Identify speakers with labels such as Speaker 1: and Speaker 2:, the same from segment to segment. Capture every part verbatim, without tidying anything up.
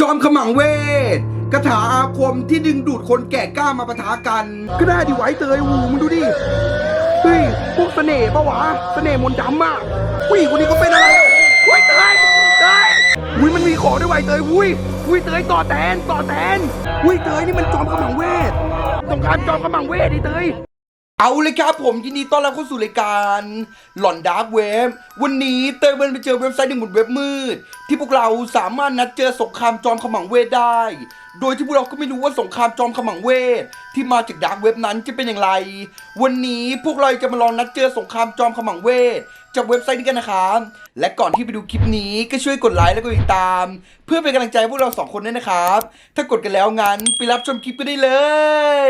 Speaker 1: อมขมังเวทคาถาอาคมที่ดึงดูดคนแก่กล้ามาปะทะกันก็ได้ดิไว้เตยหูมึงดูดิเฮ้ยพวกเสน่ห์ปะวะเสน่ห์มนต์ดำอ่ะอุ้ยคนนี้ก็เป็นอะไรอุ้ยเตยเตยอุ้ยมันมีของด้วยไว้เตยอุ้ยอุ้ยเตยต่อแตนต่อแตนอุ้ยเตยนี่มันจอมขมังเวทสงครามจอมขมังเวทดิเตยเอาเลยครับผมยินดีต้อนรับเข้าสู่รายการหลอนดาร์กเว็บวันนี้เตยเบิร์นไปเจอเว็บไซต์หนึ่งบนเว็บมืดที่พวกเราสามารถนัดเจอสงครามจอมขมังเวทได้โดยที่พวกเราก็ไม่รู้ว่าสงครามจอมขมังเวทที่มาจากดาร์กเว็บนั้นจะเป็นอย่างไรวันนี้พวกเราจะมาลองนัดเจอสงครามจอมขมังเวทจากเว็บไซต์นี้กันนะครับและก่อนที่ไปดูคลิปนี้ก็ช่วยกดไลค์และกดติดตามเพื่อเป็นกำลังใจให้พวกเราสองคนด้วยนะครับถ้ากดกันแล้วงั้นไปรับชมคลิปกันได้เลย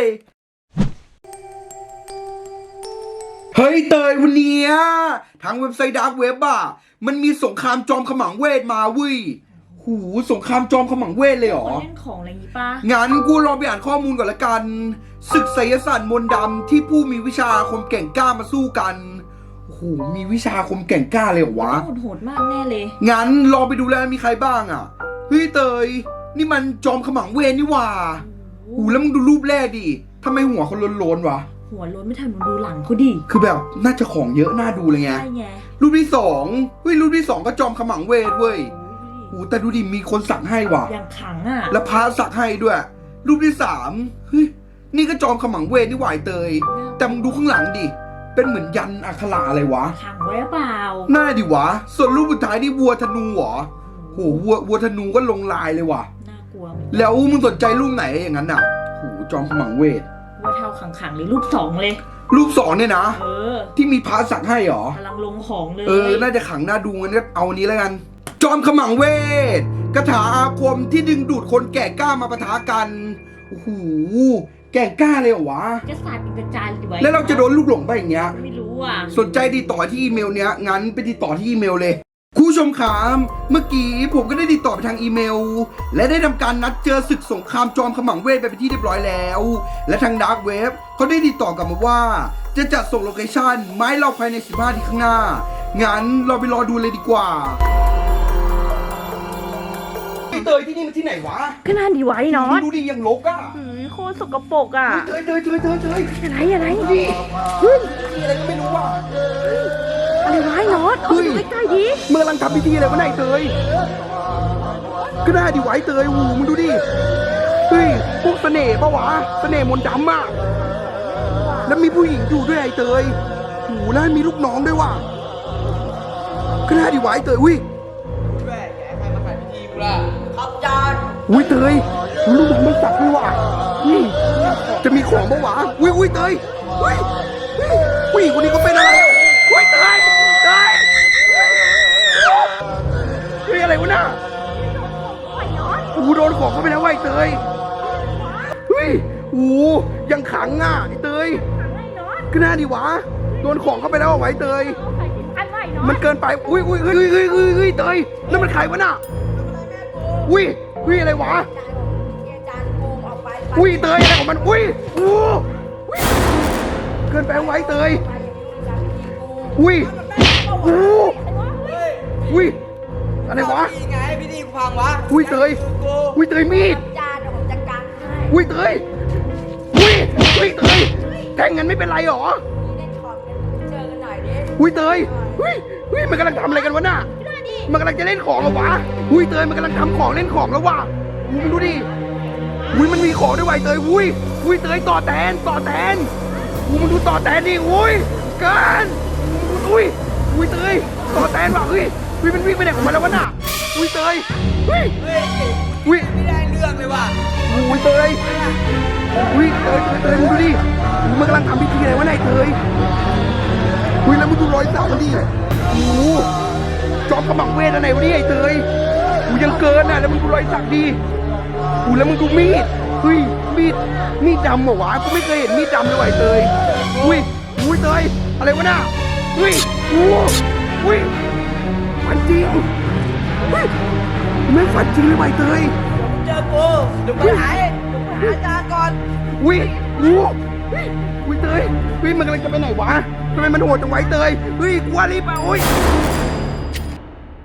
Speaker 1: เฮ้ยเตยวันนี้ทางเว็บไซต์ดาร์กเว็บอ่ะมันมีสงครามจอมขมังเวทมาเว้ยหูสงครามจอมขมังเวทเลยเหรอ
Speaker 2: เล่นของอะไรอย่างงี้ป่ะ
Speaker 1: งั้นกูลองไปอ่านข้อมูลก่อนละกันศึกไสยศาสตร์มนต์ดำที่ผู้มีวิชาอาคมแก่งกล้ามาสู้กันโอ้โหมีวิชาอาคมแก่งกล้าเลยเหรอวะ
Speaker 2: โหดๆมากแน่เลย
Speaker 1: งั้นลองไปดูแล้วมีใครบ้างอ่ะเฮ้ยเตยนี่มันจอมขมังเวทนี่หว่าหูแล้วมึงดูรูปแรกดิทำไมหัวเขาโล้นๆวะ
Speaker 2: หัวล้นไม่ทันมึงดูหลังเขาดิ
Speaker 1: คือแบบน่าจะของเยอะน่าดูเลยไง
Speaker 2: ใช่ไง
Speaker 1: รูปที่สองเฮ้ยรูปที่สองก็จอมขมังเวทเว้ยโอ้แต่ดูดิมีคนสักให้ว่ะ
Speaker 2: อย่างขังอ่ะ
Speaker 1: แล้วพระสักให้ด้วยรูปที่สามเฮ้ยนี่ก็จอมขมังเวทนี่หวายเตยแต่มึงดูข้างหลังดิเป็นเหมือนยันอักขระอะไรวะ
Speaker 2: ขังไว้เปล่า
Speaker 1: น่าดิวะส่วนรูปสุดท้ายนี่วัวธนูเหรอโหวัววัวธนูก็ลงลายเลยว่ะ
Speaker 2: น่ากลัว
Speaker 1: แล้วมึงสนใจรูปไหนอย่างนั้นอ่ะโหจอมขมังเวท
Speaker 2: ว่าเท่าขังๆเลยรูปสองเลย
Speaker 1: รูปสองเนี่ยนะ
Speaker 2: เออ
Speaker 1: ที่มีพระสักให้เหรอก
Speaker 2: ำลังลงของเลย
Speaker 1: เออน่าจะขังหน้าดูงั้นก็เอานี้แล้วกันจอมขมังเวทคาถาอาคมที่ดึงดูดคนแก่กล้ามาปะทะกันโอ้โหแก่กล้าเลยเหรอวะ
Speaker 2: จะสาดเป็นกระจายเลย
Speaker 1: แล้วเราจะโดนลูกหลงไปอย่างเงี้ย
Speaker 2: ไม่รู้อ่ะ
Speaker 1: สนใจติดต่อที่อีเมลเนี้ยงั้นไปติดต่อที่อีเมลเลยคุณผู้ชมครับเมื่อกี้ผมก็ได้ติดต่อไปทางอีเมลและได้ทำการนัดเจอศึกสงครามจอมขมังเวทไปเป็นที่เรียบร้อยแล้วและทางดาร์กเว็บเขาได้ติดต่อกลับมาว่าจะจัดส่งโลเคชั่นไม้เราภายในสิบห้านาทีข้างหน้างั้นเราไปรอดูเลยดีกว่าเตยที่นี่มันที่ไหนวะ
Speaker 2: ก็น่าดีไว้เนาะ
Speaker 1: ดูดิยังลกอ่ะ
Speaker 2: โคตรสกปรกอ่ะ
Speaker 1: เตยเตยเตยเตยเตย
Speaker 2: อะไรอะไร
Speaker 1: ดิเฮ้ยมีอะไรก็ไม่รู้ว่ะ
Speaker 2: อะไรวะเนาะเอาดูใกล้ๆดิ
Speaker 1: เมื่อกำลังทำพิธีอะไรวะไหนเตยก็ได้ดิไว้เตยหูมึงดูดิเฮ้ยพวกเสน่ห์ปะวะเสน่ห์มนต์ดำอ่ะแล้วมีผู้หญิงอยู่ด้วยไอ้เตยหูแล้วมีลูกน้องด้วยว่ะก็ได้ดิไว้เตยอุ้ย
Speaker 3: แม่แกใครมาขายพิธีกูล่ะครับจาน
Speaker 1: อุ้ยเตยลูกน้องมันสักด้วยว่ะนี่จะมีของปะวะอุ้ยอุ้ยเตยอุ้ยอุ้ยคนนี้ก็เป็นอะไรอุ้ยเตยเตยเฮ้ยอะไรวะน่ะโอ้โดนของเข้าไปแล้วไอ้เตยเฮ้ยโอ้ยังขังอ่ะไอ้เตยก็น่าดีวะโดนของเข้าไปแล้วไอ้เตยมันเกินไปอุ้ยอุ้ยเฮ้ยเฮ้ยเฮ้ยเฮ้ยเตยนั่นมันใครวะน่ะอุ้ยอุ้ยอะไรวะอุ้ยเตยอะไรของมันอุ้ยโอ้เกินไปไว้เตยอุ้ยโอ้อุ้ยอะไรวะ
Speaker 3: ไงพิธีพังวะ
Speaker 1: อุ้ยเตยอุ้ยเตยมีดอุ้ยเตยอุ้ยอุ้ยเตยแทงกันไม่เป็นไรหรออุ้ยเตยอุ้ยอุ้ยมันกำลังทำอะไรกันวะน่ะมันกำลังจะเล่นของเหรอวะอุ้ยเตยมันกำลังทำของเล่นของแล้ววะมึงดูดิอุ้ยมันมีของด้วยไวเตยอุ้ยอุ้ยเตยต่อแตนต่อแตนอุ้ยมึงดูต่อแตนดิอุ้ยเกินอุ้ยอุ้ยเตยต่อแตนว่ะเฮ้ยอุ้ยมันวิ่งไปไหนของมันแล้ววะน่ะอุ้ยเตยอุ้ยอุ้ย
Speaker 3: ไม่ได้เรื่องเลยว่ะ
Speaker 1: อุ้ยเตยอุ้ยเตยเตยเตยมึงดูดิมันกำลังทำพิธีอะไรวะนายเตยอุ้ยแล้วมึงดูรอยสักมันดิโอ้จอมขมังเวทอะไรวะนี่ไอ้เตยกูยังเกินน่ะแล้วมึงดูรอยสักดิอู้แล้วมึงดูมีดเฮ้ยมีดมีดดำเหรอวะกูไม่เคยเห็นมีดดำเลยไอ้เตยอุ้ยอุ้ยเตยอะไรวะน่ะเฮ้ยโอ้อุ้ยฝันจริงเฮ้ยไม่ฝันจริงเลยไอ้เตย
Speaker 3: เจอกูเดี๋ยวไปหาเดี๋ยวไปหาอาจารย์ก่อน
Speaker 1: อุ้ยโอ้อุ้ยเตยเฮ้ยมันกำลังจะไปไหนวะทำไมมันโหดจังไว้เตยเฮ้ยกลัวรีบไปโอ้ย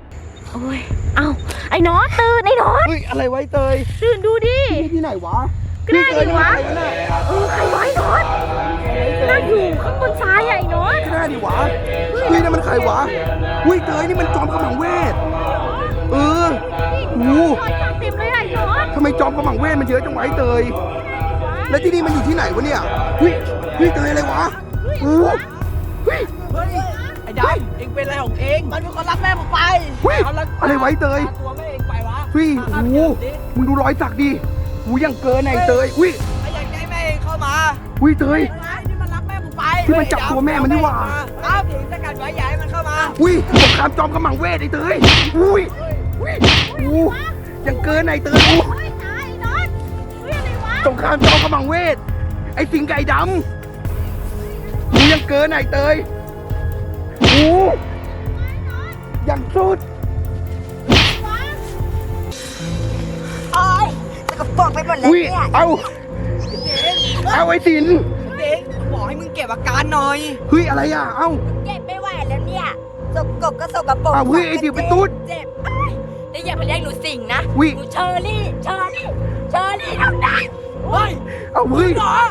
Speaker 2: โอ้ยเอ้าไอ้น็อตตื่นไอ้น็อต
Speaker 1: เฮ้ยอะไรไว้เตย
Speaker 2: ตื่นดูดิ
Speaker 1: นี่ที่ไหนวะ
Speaker 2: ก็ได้ดิวะ
Speaker 1: นี่เตยนี่มันใครเนี่ย
Speaker 2: เออใครไวะไอ้น็อตนั่งอยู่ข้างบนซ้ายอะไอ้น็อต
Speaker 1: ก็ได้ดิวะเฮ้ยนี่มันใครวะเฮ้ยเตยนี่มันจอมขมังเวทเออโอ้โห
Speaker 2: รอยสักเต็มเลยอะไอ้น็อต
Speaker 1: ทำไมจอมขมังเวทมันเยอะจังวะไอ้เตยแล้วที่นี่มันอยู่ที่ไหนวะเนี่ยเฮ้ยเฮ้ยเตยอะไรวะโอ้โหเฮ้ย
Speaker 3: เฮ้ยไอ้ดำเองเป็นอะไรของเอง มันเป็นคนรักแม่ผมไป
Speaker 1: เฮ้ย
Speaker 3: เอาละ
Speaker 1: อะไรไว้เตย
Speaker 3: พาตัวแม่เองไปวะ
Speaker 1: เฮ้ยโอ้โหมึงดูรอยสักดิโอ้ยยังเกินไอ้เตยอุ้ย
Speaker 3: ไอ้อยากได้แม่เองเข้ามา
Speaker 1: อุ้ยเตย
Speaker 3: ไอ้นี่มันรักแม่ผมไป
Speaker 1: ที่มันจับตัวแม่มันนี่หว่า
Speaker 3: อ้าวถึงสกัดไว้อย่าให้มันเข้ามา
Speaker 1: อุ้ยสงครามจอมขมังเวทไอ้เตยอุ้ยอุ้ยโอ้ยังเกินไอ้เตยอู้
Speaker 2: เฮ้ยตายไอ้น็อตเฮ้ยอะไรวะ
Speaker 1: สงครามจอมขมังเวทไอ้สิงไก่ดำอู้ยังเกินไอ้เตยอู้ยังสุด
Speaker 4: โอ๊ยสกปรกไปหมดเลย
Speaker 1: อุ้ย
Speaker 4: เนี่ย
Speaker 1: เอาเอาไอ้สิน
Speaker 3: เด็กบอกให้มึงเก็บอาการหน่อย
Speaker 1: เฮ้ยอะไรอ่ะเอ้า
Speaker 4: เจ็บไม่ไหวแล้วเนี่ยสกปรกก็สกปรก
Speaker 1: อ้าวเฮ้ยไอ้ติ๋วเป็นตุ๊ด
Speaker 4: เจ็บเอ้ยแล้วอย่ามาเรียกหนูสิงนะ
Speaker 1: อุ้ย
Speaker 4: หนูเชอรี่ เชอรี่ เชอรี่เท่านั้น
Speaker 3: เฮ้ย
Speaker 1: เอาเฮ้ย
Speaker 3: หรอ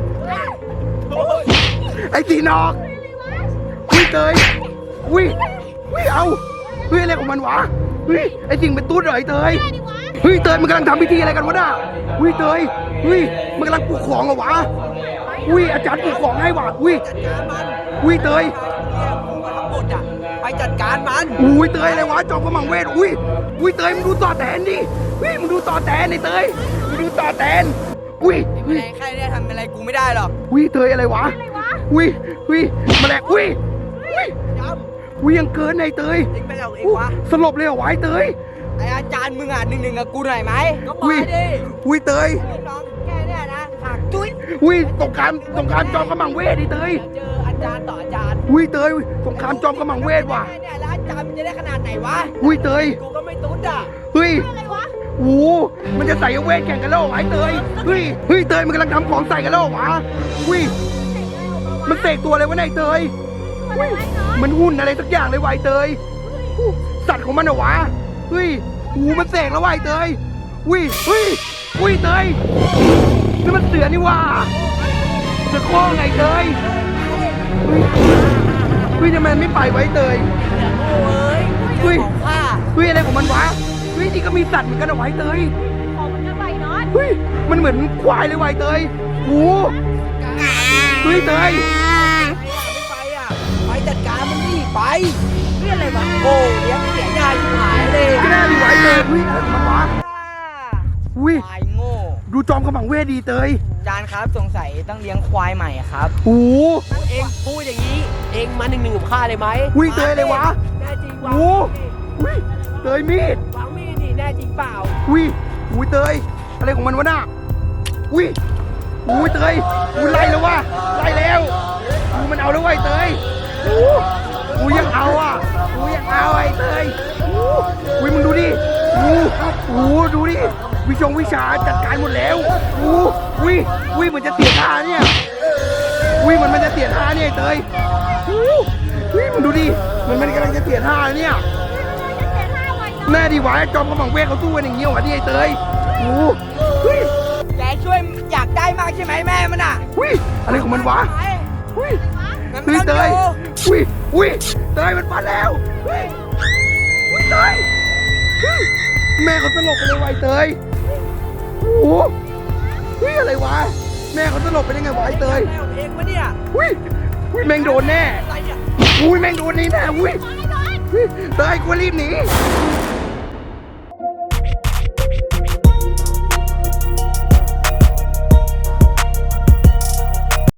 Speaker 1: ไอ้สินออกอุ้ยเตยอุ้ยอุ้ยเอาเฮ้ยอะไรของมันวะเฮ้ยไอ้สิงเป็นตุ๊ดเหรอไอ้เตยเฮ้ยเตยมันกำลังทำพิธีอะไรกันวะน่ะเฮ้ยเตยเฮ้ยมันกำลังปลูกของเหรอวะอุ้ยอาจารย์ปลูกของให้ว่ะอุ้ย
Speaker 3: จัดการมัน
Speaker 1: อุ้ยเตย
Speaker 3: เนี่ยกูมาทั้งหมดอ่ะไปจัดการมัน
Speaker 1: อุ้ยเตยอะไรวะจอมกำมังเวทอุ้ยอุ้ยเตยมึงดูต่อแตนดิเฮ้ยมึงดูต่อแตนไอ้เตยมึงดูต่อแตนอุ้ย
Speaker 3: แมลงแค่เนี้ทำอะไรกูไม่ได้หรอก
Speaker 1: อุ้ยเตยอะไรวะอุ้ยอุ้ยแมลงอุ้ยอุ้ย
Speaker 3: ด
Speaker 1: อุ้ยยังเกินไอ้เตย
Speaker 3: ำเองเป็นอะไรของเอง
Speaker 1: อู้
Speaker 3: วะ
Speaker 1: สลบเลยเหรอวะไอ้เตย
Speaker 3: ไออาจารย์มึงอ่ะหนึ่งหนึ่งกับกูหน่อยไหมก็มา
Speaker 1: อุ้ย
Speaker 3: ดิ
Speaker 1: อุ้ยเตย
Speaker 3: น้องแค่เนี้ยนะหักจุ้ย
Speaker 1: อุ้ยสงครามสงครามจอมกำมังเวทไอ้เตย
Speaker 3: เจออาจารย์ต่ออาจารย์
Speaker 1: อุ้ยเตยสงครามจอมกำมังเวทว่ะ
Speaker 3: แค่เนี่ยแล้วอาจารย์มันจะได้ขนาดไหนวะ
Speaker 1: อุ้ยเตย
Speaker 3: กูก็ไม่ตุ๊ดอ่ะ
Speaker 1: เฮ้ย
Speaker 2: อะไรวะ
Speaker 1: โอ้โหมันจะใส่เวทแข่งกันแล้วเหรอวะไอ้เตยเฮ้ยเฮ้ยเตยมันกำลังทำของใส่กันแล้วเหรอวะอุ้ยมันเสกตัวอะไรวะเนี่ยไอ้เตย
Speaker 2: อะไรวะไอ้น็อต
Speaker 1: มันหุ่นอะไรสักอย่างเลยวะไอ้เตยอู้สัตว์ของมันเหรอวะเฮ้ยโอ้โหมันเสกแล้ววะไอ้เตยอุ้ยเฮ้ยอุ้ยเตยนี่มันเสือนี่หว่าเสือโคร่งไงเตยเฮ้ยเฮ้ยทำไมมันไม่ไปไวะไอ้เตย
Speaker 3: โอ้ย
Speaker 1: เฮ้ย
Speaker 3: ของข้า
Speaker 1: เฮ้ยอะไรของมันวะเฮ้ยนี่ก็มีสัตว์เหมือนกันเหรอวะไอ้เตย
Speaker 2: ของมันกันไปน็อต
Speaker 1: เฮ้ยมันเหมือนควายเลยวะไอ้เตยโอ้โหเฮ้ยเตย
Speaker 3: ไม่ไปอ่ะไปจัดการมันนี่ไปเรื่องอะไรวะโอ้เลี้ยงเสียยายชิบหายเลย
Speaker 1: ก็น่าดีไวะไอ้เตยเฮ้ยอะไรของมันวะอุ้ย
Speaker 3: ควายโง่
Speaker 1: ดูจอมขมังเวทดีเตย
Speaker 3: อาจารย์ครับสงสัยต้องเลี้ยงควายใหม่อะครับ
Speaker 1: โอ้โห
Speaker 3: เองพูดอย่างนี้ เองมาหนึ่งหนึ่งกับข้าเลยไหม
Speaker 1: อุ้ยเตยเลยวะ
Speaker 3: แน่จริงวะ
Speaker 1: โอ้อุ้ยเตยมีด
Speaker 3: วางมีดดิแน่จริงเปล่า
Speaker 1: อุ้ยอุ้ยเตยอะไรของมันวะน่ะอุ้ยอุ้ยเตยอุ้ยไล่แล้ววะไล่แล้วอุ้ยมันเอาแล้ววะไอ้เตยอู้อุ้ยยังเอาอ่ะอุ้ยยังเอาไอ้เตยอู้อุ้ยมึงดูดิอู้อู้ดูดิวิชงวิชาจัดการหมดแล้วอู้อุ้ยอุ้ยมันจะเสียท่าเนี่ยอุ้ยมันมันจะเสียท่าเนี่ยไอ้เตยอู้อุ้ยมึงดูดิมันมันกำลังจะเสียท่าเนี่ย แน่ดีวะจอมกำลังเวทเขาสู้กันอย่างเงี้ยวะที่ไอ้เตยโอ้เฮ้ย
Speaker 3: แกช่วยอยากได้มากใช่ไหมแม่มันอ่ะ
Speaker 1: อุ้ยอะไรของมันวะอุ้ย
Speaker 3: งั้น
Speaker 1: เฮ้ย
Speaker 3: ไม่
Speaker 1: เต
Speaker 3: ต้อง
Speaker 1: ย
Speaker 3: ดู
Speaker 1: อุ้ยอุ้ยเตยมันฟันแล้วเฮ้ยอุ้ยเตยเฮ้ยแม่เขาสลบไปเลยวะไอ้เตยโอ้โหเฮ้ยอะไรวะแม่เขาสลบไปได้ไงวะไอ้เตย
Speaker 3: แม่ของเองปะเนี่ย
Speaker 1: อุ้ยอุ้ยแม่งโดนแน่
Speaker 3: อะไรอ่ะ
Speaker 1: อุ้ยแม่งโดนนี่แน่อุ้ยเฮ้ยเตยกูรีบหนี